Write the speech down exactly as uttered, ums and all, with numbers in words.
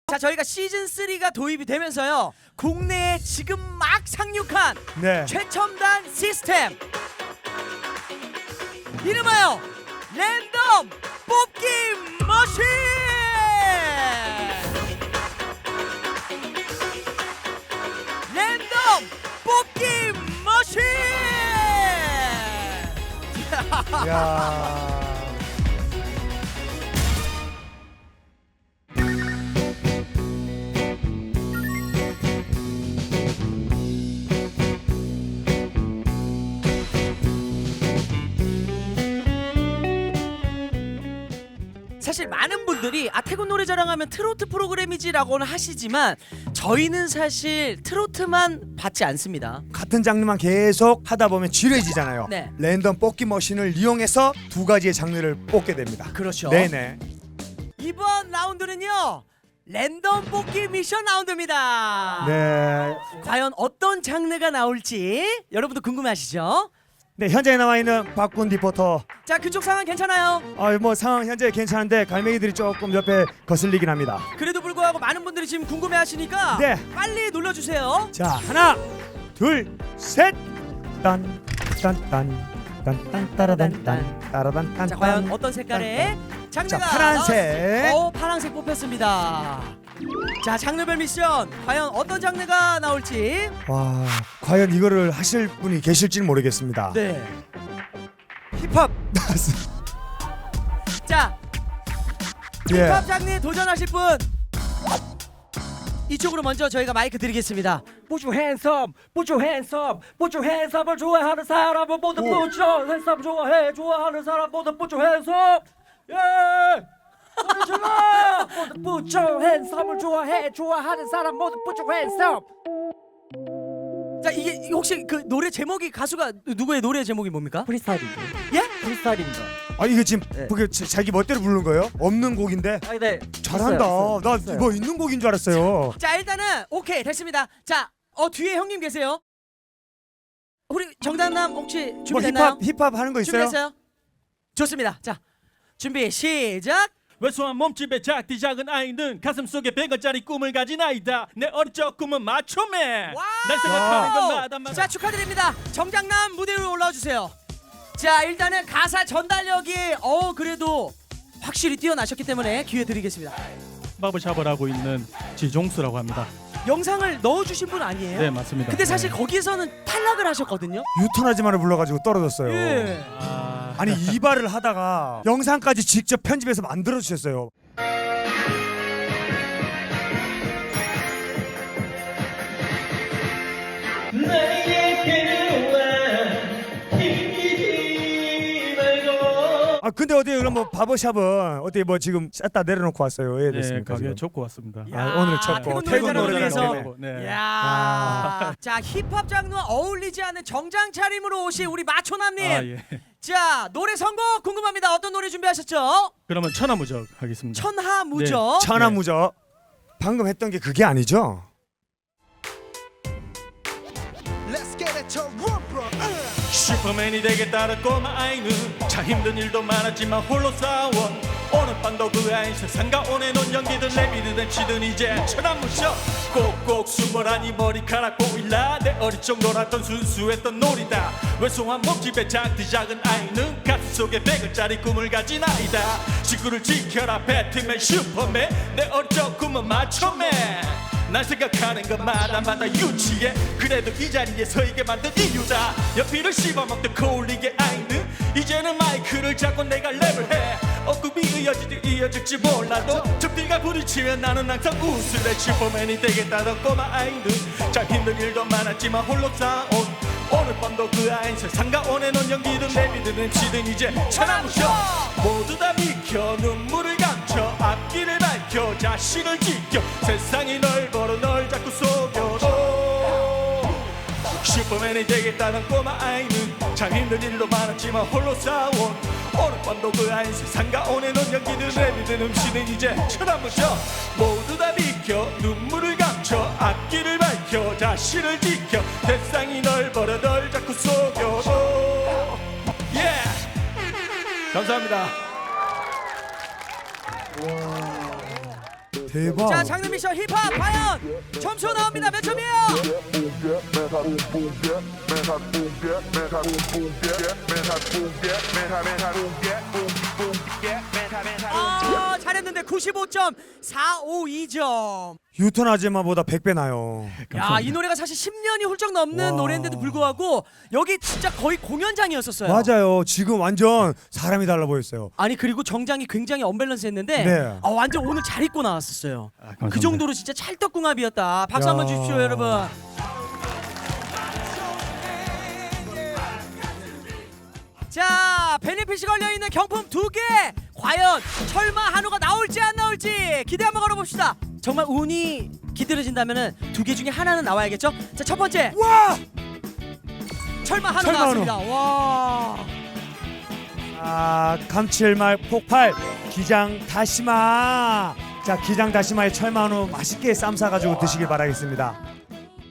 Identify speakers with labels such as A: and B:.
A: 자, 저희가 시즌 쓰리가 도입이 되면서요, 국내에 지금 막 상륙한
B: 네.
A: 최첨단 시스템, 이름하여 랜덤 뽑기 머신! 랜덤 뽑기 머신!
B: 야.
A: 사실 많은 분들이 아 태국 노래자랑하면 트로트 프로그램이지라고는 하시지만 저희는 사실 트로트만 받지 않습니다.
B: 같은 장르만 계속 하다 보면 지루해지잖아요.
A: 네.
B: 랜덤 뽑기 머신을 이용해서 두 가지의 장르를 뽑게 됩니다.
A: 그렇죠.
B: 네네.
A: 이번 라운드는요, 랜덤 뽑기 미션 라운드입니다.
B: 네.
A: 과연 어떤 장르가 나올지 여러분도 궁금하시죠?
B: 네, 현장에 나와 있는 박군 리포터.
A: 자, 그쪽 상황 괜찮아요?
B: 아, 뭐 상황 현재 괜찮은데 갈매기들이 조금 옆에 거슬리긴 합니다.
A: 그래도 불구하고 많은 분들이 지금 궁금해하시니까
B: 네.
A: 빨리 눌러주세요.
B: 자, 하나, 둘, 셋. 딴, 딴, 딴, 딴, 딴, 따라단, 딴, 따라단, 딴.
A: 자, 과연
B: 딴.
A: 어떤 색깔의 장르가
B: 자, 파란색.
A: 나왔... 어, 파란색 뽑혔습니다. 자, 장르별 미션 과연 어떤 장르가 나올지.
B: 와, 과연 이거를 하실 분이 계실지는 모르겠습니다.
A: 네.
B: 힙합 나왔어.
A: 자,
B: 예.
A: 힙합 장르에 도전하실 분 이쪽으로 먼저 저희가 마이크 드리겠습니다.
C: Put your hands up, put your hands up, put your hands up을 좋아하는 사람은 모두 put your hands up. 좋아해, 좋아하는 사람 모두 put your hands up. 예! 소리 질러! 모두 put your hands up을 좋아해, 좋아하는 사람 모두 put your hands up.
A: 자, 이게 혹시 그 노래 제목이, 가수가 누구의 노래 제목이 뭡니까?
C: 프리스타일인데.
A: 예?
C: 프리스타일입니다.
B: 아, 이게 지금
C: 네.
B: 그게 자- 자기 멋대로 부르는 거예요? 없는 곡인데.
C: 아, 네.
B: 잘한다.
C: 있어요, 있어요.
B: 나
C: 있어요.
B: 뭐 있는 곡인 줄 알았어요.
A: 자, 일단은 오케이 됐습니다. 자, 어 뒤에 형님 계세요. 우리 정단남 혹시
B: 뭐
A: 준비됐나요?
B: 힙합 힙합 하는 거 있어요?
A: 준비됐어요? 좋습니다. 자, 준비 시작.
D: 왜소한 몸집의 작디 작은 아이는 가슴속에 백 원짜리 꿈을 가진 아이다. 내 어릴 적 꿈은 마초맨.
A: 와우!
D: 날 생각하는 건 마다마다.
A: 자, 축하드립니다. 정장남 무대 위로 올라와 주세요. 자, 일단은 가사 전달력이 어 그래도 확실히 뛰어나셨기 때문에 기회 드리겠습니다.
D: 바버샵을 하고 있는 지종수라고 합니다.
A: 영상을 넣어주신 분 아니에요?
D: 네, 맞습니다.
A: 근데 사실
D: 네.
A: 거기서는 탈락을 하셨거든요.
B: 유턴하지마를 불러가지고 떨어졌어요.
A: 예.
D: 아,
B: 아니 이발을 하다가 영상까지 직접 편집해서 만들어 주셨어요. 아 근데 어디 그럼 뭐 바버샵은 어떻게 뭐 지금 쌌다 내려놓고 왔어요? 왜
D: 네,
B: 됐습니까?
D: 가게
B: 지금?
D: 접고 왔습니다.
A: 야,
B: 아, 오늘 첫
A: 태국
B: 거.
A: 노래자랑을
B: 태국
A: 위해서.
B: 노래자랑
D: 네.
A: 야,
B: 아.
A: 자, 힙합 장르와 어울리지 않는 정장 차림으로 오신 우리 마초남님.
D: 아, 예.
A: 자, 노래 선곡 궁금합니다. 어떤 노래 준비하셨죠?
D: 그러면 천하무적 하겠습니다.
A: 천하무적.
B: 천하무적. 방금 했던 게 그게 아니죠?
D: 슈퍼맨이 되겠다는 꼬마 아이는 참 힘든 일도 많았지만 홀로 싸워. 오늘 밤도 그 아이 세상가 오네 논 연기든 내비든 치든 이제 천하무적. 꼭꼭 숨어라니 머리카락 보일라. 내 어릴 적 놀았던 순수했던 놀이다. 왜소한 몸집의 작디 작은 아이는 가슴속에 백 원짜리 꿈을 가진 아이다. 지구를 지켜라 배트맨 슈퍼맨. 내 어릴 적 꿈은 마초맨. 날 생각하는 것마다마다 유치해. 그래도 이 자리에 서 있게 만든 이유다. 연필을 씹어먹던 코올리게 아이는 이제는 마이크를 잡고 내가 랩을 해. 억굽이 이어질지 이어질지 몰라도 적들과 부딪히면 나는 항상 웃을래. 슈퍼맨이 되겠다던 꼬마 아이는 참 힘든 일도 많았지만 홀로 싸운 오늘 밤도 그 아이 세상가 오네 논 연기든 내비든 엠씨든 이제 천하무적. 모두 다 비켜 눈물을 감춰 앞길을 밝혀 자신을 지켜. 세상이 널 벌어 널 자꾸 속여도 슈퍼맨이 되겠다는 꼬마 아이는 참 힘든 일도 많았지만 홀로 싸운 오늘 밤도 그 아이 세상가 오네 논 연기든 내비든 엠씨든 이제 천하무적. 모두 다 비켜 눈물을 감춰 앞길을 밝혀 자신을 지켜. 세상이 널 벌어 널 자꾸 속여도. 예. 감사합니다.
B: 대박.
A: 자, 장르 미션 힙합 과연 점수 나옵니다. 몇 점이에요? 아, 잘했는데 구십오 점 사오이 점.
B: 유턴 아줌마보다 백 배 나요.
A: 야, 이 노래가 사실 십 년이 훌쩍 넘는
B: 와.
A: 노래인데도 불구하고 여기 진짜 거의 공연장이었었어요.
B: 맞아요. 지금 완전 사람이 달라 보였어요.
A: 아니, 그리고 정장이 굉장히 언밸런스했는데
B: 네.
A: 아, 완전 오늘 잘 입고 나왔었어요.
C: 감사합니다.
A: 그 정도로 진짜 찰떡궁합이었다. 박수
B: 야.
A: 한번 주십시오, 여러분. 자, 베네핏이 걸려있는 경품 두 개. 과연 철마 한우가 나올지 안 나올지 기대 한번 걸어봅시다. 정말 운이 기다려진다면 두 개 중에 하나는 나와야겠죠? 자, 첫 번째
B: 와!
A: 철마 한우
B: 철마 한우.
A: 나왔습니다. 와.
B: 아, 감칠맛 폭발 기장 다시마. 자, 기장 다시마에 철만우 맛있게 쌈 싸가지고 드시길 바라겠습니다.